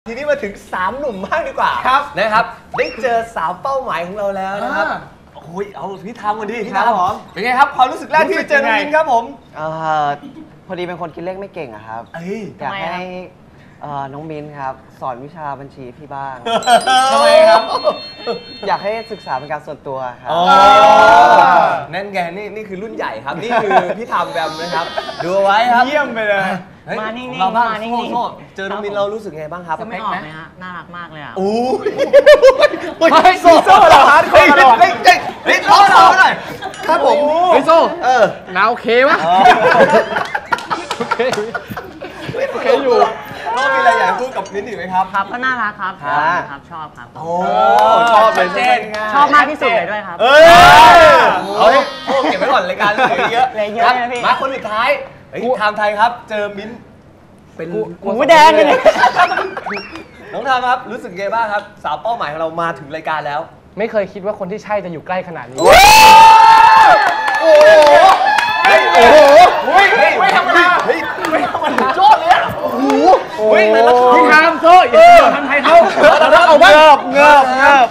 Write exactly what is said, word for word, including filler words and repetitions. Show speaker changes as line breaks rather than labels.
ทีนี้มาถึงสามหนุ่มบ้างดีกว่า
ครับ
นะครับได้เจอสาวเป้าหมายของเราแล้วนะครับโอ้ยเอาพี่ทำกันดิพี่ทำเป็นไงครับความรู้สึกแรกที่เจอน้องมิ้นครับผม
เอ่อพอดีเป็นคนคิดเลขไม่เก่งอะครับ
เอ้ย
อยากให้เอ่อน้องมิ้นครับสอนวิชาบัญชีพี่บ้าง
ทำไมครับ
อยากให้ศึกษาเป็นการส่วนตัวครับ
นั่นไงนี่นี่คือรุ่นใหญ่ครับนี่คือพี่ทำแบมนะครับดูเอาไว้ครับ
เยี่ยมไปเลย
มานิ่งๆ
เราบ้าง
มานิ่งๆ
โซ่เจอน้องมิ้นเรารู้สึกไงบ้างครับ
จะไม่ออกไหมฮะ น่ารักมากเลยอ่ะ
โอ้ย
โซ่โซ่เหรอฮะโซ่เหรอ
เฮ้ยเฮ้ยเฮ้ยโซ่เราหน่อยครับผม
เฮ้ยโซ่
เออ
นาโอเคปะโอเคโอเคอยู่
น้องมีอะไรอยากพูดกับมิ้นอีกไหมครับ
ครับก็น่ารักครับ
ครับ
ครับชอบครับ
โอ้ชอบเลยใช่ไหม
ชอบมากที่สุดเลยด้วยครับ
เอ้ยเอาให้โอ้เก็บไว้ก่อนรายการเหลือเยอะ
เหลือเยอะ
ครับ
นะพี่
มาคนสุดท้ายเฮ้ยไทม์ไทยครับ เจอมิ้นเป็น
หมูแดงเลยเนี่ย
น้องทามครับรู้สึกไงบ้างครับสาวเป้าหมายของเรามาถึงรายการแล้ว
ไม่เคยคิดว่าคนที่ใช่จะอยู่ใกล้ขนาดนี้
โอ้โหเฮ้ยโอ้โหเฮ้ยไม่ธรรมดาเฮ้ยไม่ธรรมดาโจ้เลยอ่ะโอ้โหเฮ้ยแต่ละคำ
พี่ทามโซ่อย่าทำไทยเขา
เอาบ้างเงิบเงิบเงิบ